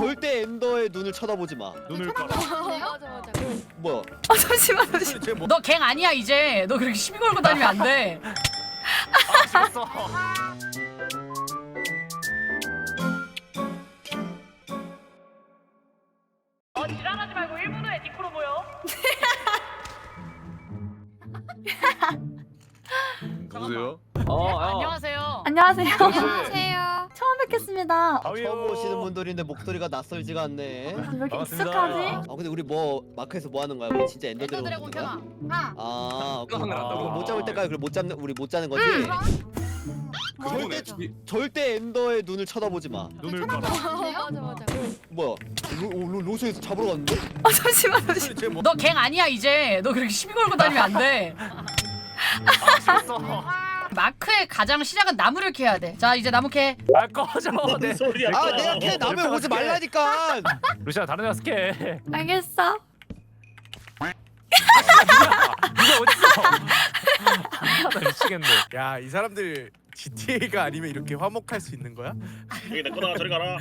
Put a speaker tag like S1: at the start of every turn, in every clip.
S1: 절대 엔더의 눈을 쳐다보지 마.
S2: 눈을 깔아.
S3: 맞아.
S1: 뭐야?
S4: 잠시만.
S5: 너 갱 아니야 이제. 너 그렇게 시비 걸고 다니면 안 돼.
S2: 죽었어.
S5: 지랄하지 말고 1분 후에 니코로 모여.
S6: 누구세요?
S5: 안녕하세요.
S4: 안녕하세요.
S3: 안녕하세요.
S4: 처음 뵙겠습니다.
S1: 처음 오시는 분들인데 목소리가 낯설지가 않네.
S4: 왜 이렇게
S2: 반갑습니다.
S4: 익숙하지?
S1: 아 근데 우리 뭐 마크에서 뭐 하는 거야? 우리 진짜 엔더
S5: 엔더
S1: 드래곤
S5: 드래곤
S1: 보는 거야?
S5: 켜놔.
S1: 아,
S6: 하늘 한다고?
S1: 그럼 못 잡을 때까지 못 잡는 우리 못 자는 거지?
S6: 그거네.
S1: 절대 엔더의 눈을 쳐다보지 마.
S2: 눈을 깔아.
S3: 맞아.
S1: 뭐야? 로션에서 잡으러 갔는데?
S4: 잠시만.
S5: 너 갱 아니야 이제. 너 그렇게 시비 걸고 다니면 안 돼.
S2: 죽었어.
S5: 마크의 가장 시작은 나무를 캐야 돼. 자 이제 나무 캐.
S2: 아 꺼져. 네.
S7: 소리야.
S1: 아 내가 걔 남의 오지 말라니까.
S2: 루시아 다른 애 스케.
S4: 알겠어.
S2: 누가 어딨어? 나 미치겠네.
S8: 야, 이 사람들 GTA가 아니면 이렇게 화목할 수 있는 거야?
S7: 여기 내 거다. 저리 가라.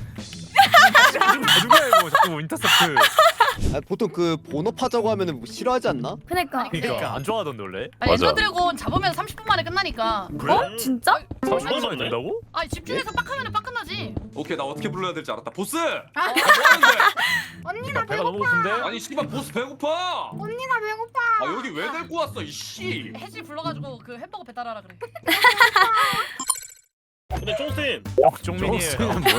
S2: 누구야 이거 자꾸 인터셉트.
S1: 아, 보통 그 본업하자고 하면은 뭐 싫어하지 않나?
S4: 그니까.
S2: 그러니까 안 좋아하던데 원래.
S5: 아니, 엔더 드래곤 잡으면 30분 만에 끝나니까.
S4: 어? 진짜?
S2: 30분만 된다고?
S5: 아니 집중해서 빡 하면은 빡 끝나지.
S6: 오케이 나 어떻게 불러야 될지 알았다. 보스! 뭐
S3: 언니
S2: 나 배가 너무 고픈데.
S6: 아니 씨발 보스 배고파!
S3: 언니 나 배고파.
S6: 아 여기 왜 데리고 왔어 이씨!
S5: 해지 불러가지고 그 햄버거 배달하라 그래.
S7: 근데 쫑쌤.
S2: 쫑민이에요.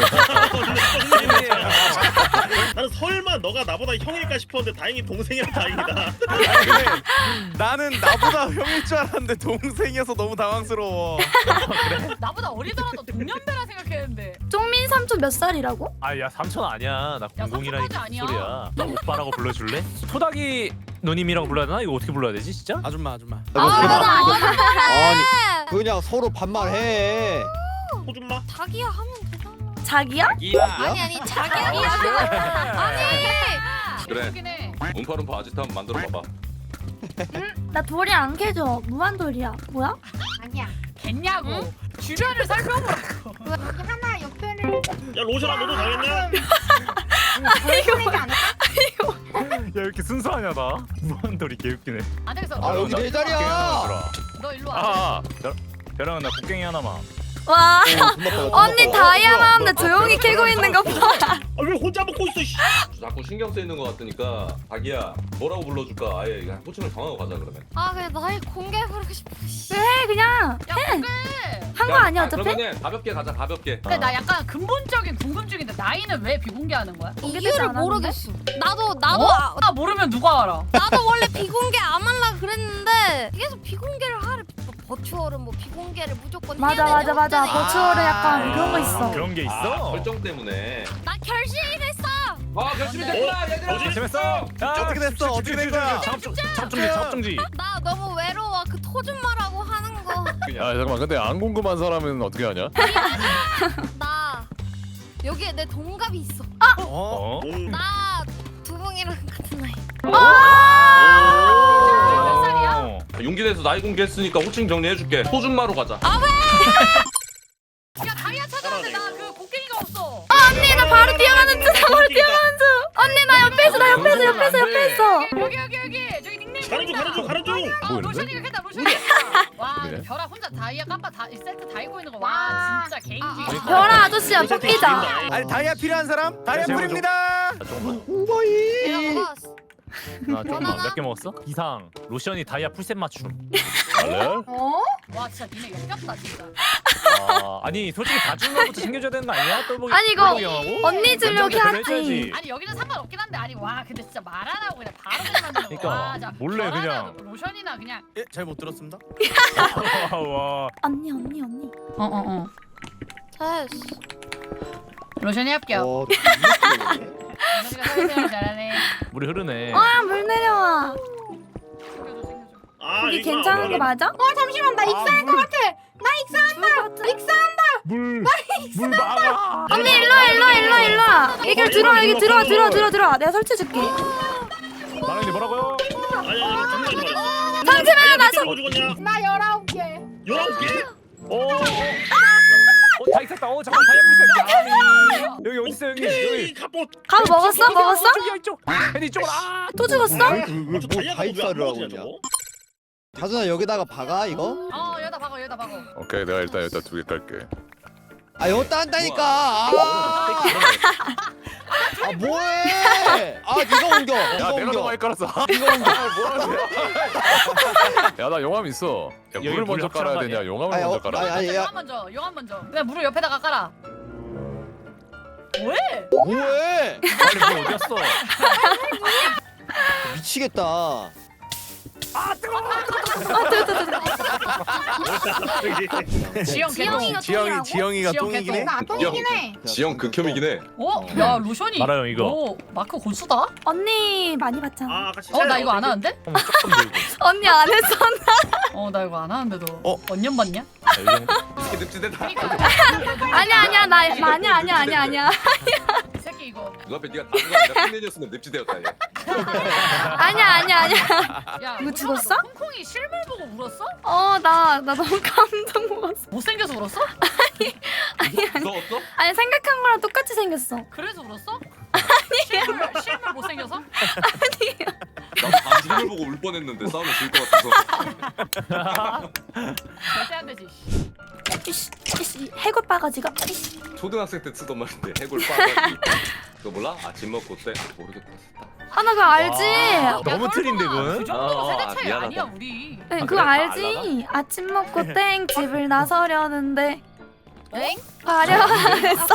S7: 나는 설마 너가 나보다 형일까 싶었는데 다행히 동생이라 다행이다.
S8: 나는 나보다 형일 줄 알았는데 동생이어서 너무 당황스러워.
S5: 나보다 어리더라도 동년배라 생각했는데.
S4: 쫑민 삼촌 몇 살이라고?
S2: 아야 삼촌 아니야. 나
S5: 야,
S2: 공공이라니까
S5: 삼촌까지 아니야.
S2: 소리야. 나 오빠라고 불러줄래? 토닥이 누님이라고 불러야 되나? 이거 어떻게 불러야 되지 진짜?
S8: 아줌마.
S1: 아니 그냥 서로 반말해.
S7: 호준마.
S3: 자기야 하면 되잖아.
S4: 자기야?
S3: 아니 자기야.
S6: 그래.
S5: 그긴 해.
S6: 움파룸파 아지트 한번 만들어 봐봐.
S4: 나 돌이 안 캐져. 무한돌이야. 뭐야?
S3: 아니야.
S5: 겠냐고. 주변을 살펴보라고.
S3: 여기 하나 옆에를
S7: 야 로션아 너도 당했냐?
S3: 보여주는 게 아닐까?
S2: 야 왜 이렇게 순수하냐 나? 무한돌이 개웃기네.
S5: 안 되겠어.
S1: 아 여기 내 자리야.
S5: 너 일로 와.
S2: 아 벼랑은 나 곡괭이 하나만.
S4: 와.
S1: 어,
S4: 언니 다이아 나는데 조용히 캐고 있는 거 봐.
S7: 아왜 혼자 먹고 있어? 씨.
S6: 자꾸 신경 쓰이는 것 같으니까 자기야 뭐라고 불러줄까? 아예 그냥 호칭을 정하고 가자 그러면.
S3: 아 그래 나의 공개 부르고 싶어.
S4: 해 그냥.
S5: 야 그래.
S4: 한 거 아니야 어차피?
S6: 그러면은 가볍게 가자 가볍게.
S5: 근데 나 약간 근본적인 궁금증인데 나이는 왜 비공개하는 거야?
S4: 공개되지
S3: 이유를
S4: 않았는데?
S3: 모르겠어. 나도
S5: 나 모르면 누가 알아?
S3: 나도 원래 비공개 안 하려 그랬는데 계속 비공개를 하래. 버추얼은 뭐 비공개를 무조건 해야
S4: 맞아.
S3: 되냐,
S4: 버추얼은 약간
S3: 아.
S4: 그런 거 있어.
S2: 그런 게 있어?
S6: 설정 때문에.
S3: 나 결심이 됐어.
S6: 아 결심이 됐구나 얘들아.
S2: 재밌어.
S8: 어떻게 됐어? 어떻게 된 거야?
S2: 잡중지.
S3: 나 너무 외로워. 그 토준마라고 하는 거.
S9: 야 잠깐만 근데 안 궁금한 사람은 어떻게 하냐?
S3: 나 여기에 내 동갑이 있어.
S8: 어?
S3: 나 두봉이랑 같은 나이.
S5: 몇 살이야?
S6: 용기 내서 나이 공개했으니까 호칭 정리해줄게. 소준마로 가자.
S5: 야 다이아 찾았는데 나 그 곡괭이가 없어.
S4: 언니 나 바로 뛰어가는 중. 언니 나 옆에 있어.
S5: 여기 저기 닉네임
S7: 가는 중.
S5: 아 로션이가 했다 로션이. 와
S9: 그래?
S5: 별아 혼자 다이아 깜빡 다 세트 다 입고 있는 거. 와 진짜 개인기.
S4: 별아 아저씨야 뽑히자.
S8: 아니 다이아 필요한 사람? 다이아 뿌립니다.
S3: 내가
S2: 나 조금만 몇 개 먹었어? 이상 로션이 다이아 풀셋 맞춤.
S9: 원래?
S5: 와 진짜 니네 역겹다 진짜.
S2: 아, 아니 솔직히 봐주는 것부터 챙겨줘야 되는 거 아니야? 똘보기
S4: 아니, 이거
S2: 똘보기 형하고?
S4: 언니 주려고
S2: 연장자
S4: 하지.
S2: 해줘야지.
S5: 아니 여기는 상관없긴 한데 아니 와 근데 진짜 말 안 하고 그냥 바로 만드는 거.
S2: 그러니까,
S5: 와, 자,
S2: 몰래
S5: 별하나
S2: 그냥.
S5: 로션이나 그냥.
S8: 예, 잘 못 들었습니다.
S2: 와.
S4: 언니.
S5: 어어어.
S3: 됐어.
S5: 로션이 합격. 로션이가 사회생활 잘하네.
S2: 물이 흐르네.
S4: 물 내려와.
S7: 아
S4: 이게
S7: 이거구나.
S4: 괜찮은 거 맞아?
S3: 잠시만 나 익사할 것 같아. 나 익사한다.
S2: 물 막아.
S4: 언니 일로 와. 여기 들어와. 내가 설치해줄게.
S2: 마랑이 뭐라고요?
S7: 아니 잠시만.
S4: 잠시만요, 나
S7: 뭐 죽었냐?
S3: 나 19개.
S7: 19개?
S2: 오. 다 있었다. 잠깐 다이아 부스. 아니 여기 어디 있어 형님?
S7: 오케이
S2: 여기.
S7: 갑옷.
S4: 갑 먹었어? 먹었어?
S2: 저기 이쪽. 혜니 이쪽으로. 아.
S4: 또 죽었어?
S1: 뭐 다이사를 하고 있냐? 다준아 여기다가 박아 이거?
S5: 여기다 박어 여기다 박어.
S9: 오케이 내가 일단 2개 깔게.
S1: 아 여기다 한다니까. 아 뭐해? 아 네가 옮겨.
S9: 야
S1: 네가
S9: 내가
S1: 옮겨.
S9: 더 많이 깔았어.
S1: 네가 옮겨.
S9: 야나 용암 있어. 야
S2: 여기
S9: 물을
S2: 물
S9: 먼저
S2: 합쳐한
S9: 깔아야
S2: 거
S9: 되냐?
S2: 아니야?
S9: 용암을
S1: 아니,
S9: 먼저
S1: 어,
S9: 깔아.
S1: 아니, 야.
S5: 용암 먼저. 그냥 물을 옆에다가 깔아. 왜?
S1: 뭐해?
S2: 빨리 뭐 어디였어?
S1: 미치겠다.
S5: 지영 개똥.
S8: 지영이가 똥이긴 해.
S5: 나
S6: 똥이긴
S5: 해.
S6: 지영 극혐이긴 해.
S5: 야 로션이.
S2: 말아요, 이거.
S5: 너 마크 고수다?
S4: 언니 많이 봤잖아.
S7: 아 같이.
S5: 나 이거 안 하는데?
S2: 조금 들고.
S4: 언니 안 했어.
S5: 나 이거 안 하는데도.
S8: 어?
S5: 언년 봤냐?
S2: 이 정도.
S6: 이렇게 늪지대다.
S4: 아니야 나 아니야.
S5: 이 새끼 이거.
S6: 눈앞에 네가 다른 거 아니라 팬이었으면 늪지대였다 얘.
S4: 아니야.
S5: 야
S4: 이거 죽었어?
S5: 콩콩이 실물 보고 울었어?
S4: 나 너무 감동 먹었어.
S5: 못생겨서 울었어?
S6: 무서웠어?
S4: 아니 생각한 거랑 똑같이 생겼어.
S5: 그래서 울었어? 실물 못생겨서?
S6: 나도 반지를 보고 울 뻔했는데 싸우면 질 것 같아서.
S5: 절대 안 되지.
S4: 이씨 해골 빠가지가. 이씨.
S6: 초등학생 때 쓰던 말인데 해골 빠가지. 그거 몰라? 아침 먹고 때 모르겠다.
S4: 나 그거 알지.
S2: 너무 틀린데 그거는?
S5: 그 정도가 세대 차이
S6: 미안하다.
S5: 아니야 우리.
S4: 네,
S2: 아,
S4: 그거
S2: 그래?
S4: 알지. 아침 먹고 땡 집을 나서려는데
S3: 엥?
S4: 화려했어.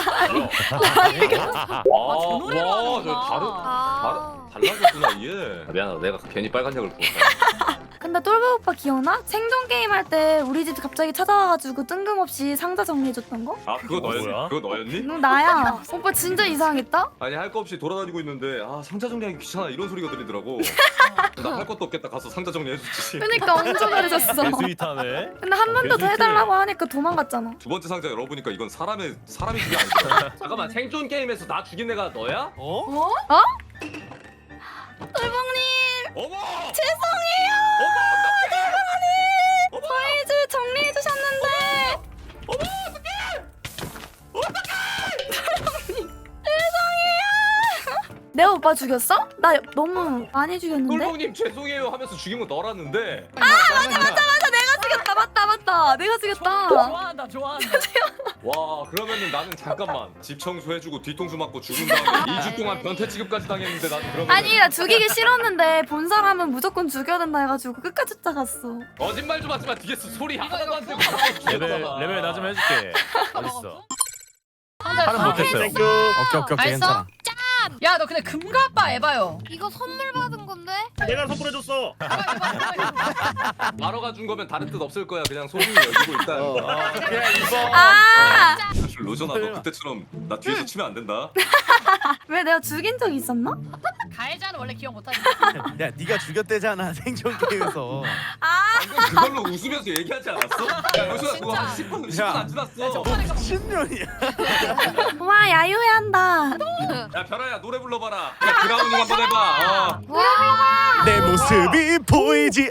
S5: 저 노래로
S6: 와, 저
S3: 아.
S6: 달라졌구나 얘. 미안하다, 내가 괜히 빨간 약을 부었다.
S4: 근데 똘보 오빠 기억나? 생존 게임 할 때 우리 집 갑자기 찾아와가지고 뜬금없이 상자 정리해줬던 거?
S6: 아 그거
S2: 뭐야?
S6: 너였니? 그거 너였니?
S4: 나야. 오빠 진짜 이상했다.
S6: 아니 할 거 없이 돌아다니고 있는데 아 상자 정리하기 귀찮아 이런 소리가 들리더라고. 나 할 것도 없겠다 가서 상자 정리해줬지.
S4: 그러니까 엄청 잘해줬어.
S2: 스윗하네.
S4: 근데 한 번 더
S2: 개스윗해.
S4: 해달라고 하니까 도망갔잖아.
S6: 두 번째 상자 열어보니까 이건 사람이 죽이 아니더라. 잠깐만 생존 게임에서 나 죽인 애가 너야?
S8: 어?
S4: 똘봉님
S6: 어머!
S4: 죄송해요. 저희 집 정리해주셨는데. 내가 오빠 죽였어? 나 너무 많이 죽였는데?
S6: 똘봉님 죄송해요 하면서 죽인 건 너라는데.
S4: 맞다. 내가 죽였다.
S5: 좋아한다.
S6: 와 그러면은 나는 잠깐만 집 청소해주고 뒤통수 맞고 죽은 다음에 2주 동안 변태 취급까지 당했는데 난 그러면
S4: 아니 나 죽이기 싫었는데 본 사람은 무조건 죽여야 된다 해가지고 끝까지 쫓아갔어.
S6: 거짓말 좀 하지마 뒤에서 소리 하나도 안 들고
S2: 레벨 나 좀 해줄게. 어딨어?
S5: 하는
S2: 못했어요.
S8: 땡큐. 오케이
S5: 알았어?
S8: 괜찮아.
S5: 야 너 근데 금가빠 에바요.
S3: 이거 선물 받은 건데?
S7: 내가 선물해줬어.
S6: 마러가 준 거면 다른 뜻 없을 거야 그냥 소문이 열리고 있다.
S2: 그냥 이거.
S4: 아,
S6: 로전아 너 그때처럼 나 뒤에서 치면 안 된다.
S4: 왜 내가 죽인 적 있었나?
S5: 가해자는 원래 기억 못하지.
S8: 야 네가 죽였대잖아 생존 게임에서.
S6: 방금 그걸로 웃으면서 얘기하지 않았어? 야 로전아 그거 한 10분 안 지났어.
S8: 신년이야.
S4: 와 야유회한다.
S6: 야 별아야 노래 불러봐라. 야 그라운딩 한번 해봐.
S8: 내 모습이 보이지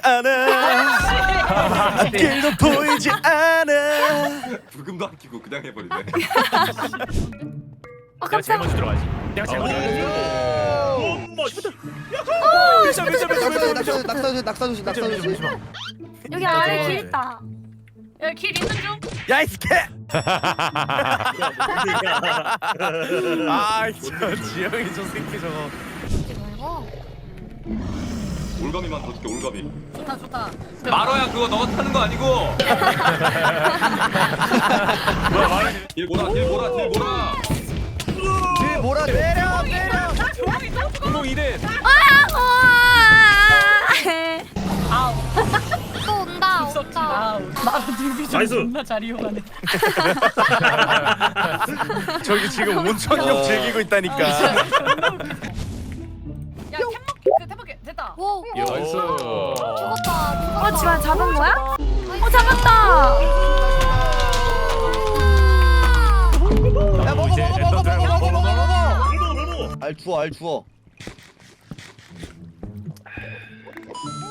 S8: 않아. 길도 보이지 않아.
S6: 불금도 안 끼고 그냥 해버리네.
S2: 내가 제일 먼저 들어가지. 내가 제일 먼저 들어가지.
S1: 낙사 조심.
S4: 여기 아래 길 있다.
S5: 야길 있는 중.
S8: 야이 스케. 아, 저 지영이 저 새끼 저거.
S6: 올가미만 더 줄게 올가미.
S5: 좋다.
S6: 마러야 그거 너가 타는 거 아니고. 길 보라.
S1: 뒤 몰아 내려.
S2: 공공 2대.
S5: 아우.
S3: 또 온다.
S5: 썩지 마. 나도 뉴비 좀
S7: 나이스.
S5: 존나 잘 이용하네.
S8: 저기 지금 온천욕 즐기고 있다니까.
S5: 야 템먹기 됐다.
S3: 오.
S9: 나이스.
S3: 죽었다.
S4: 지금 잡은 거야? 잡았다.
S1: 야 먹어.
S2: 이제 엔더 드래곤
S7: 놀고.
S1: 알 주워.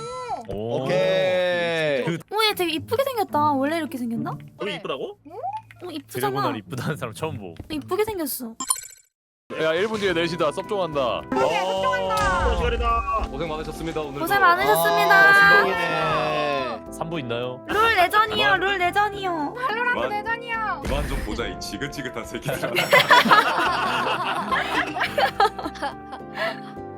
S2: 오.
S1: 오케이.
S4: 오, 얘 되게 이쁘게 생겼다. 원래 이렇게 생겼나?
S7: 우리 이쁘다고?
S4: 이쁘잖아.
S2: 드래곤을 이쁘다는 사람 처음 보.
S4: 이쁘게 생겼어.
S9: 야 1분 뒤에 4시다 섭종한다.
S7: 시간이다.
S6: 고생 많으셨습니다. 오늘
S4: 고생 많으셨습니다.
S1: 네.
S2: 3부 있나요?
S4: 룰 레전이요. 룰 레전이요.
S5: 할로라도 내전이야.
S6: 그만 좀 보자 이 지긋지긋한 새끼들아.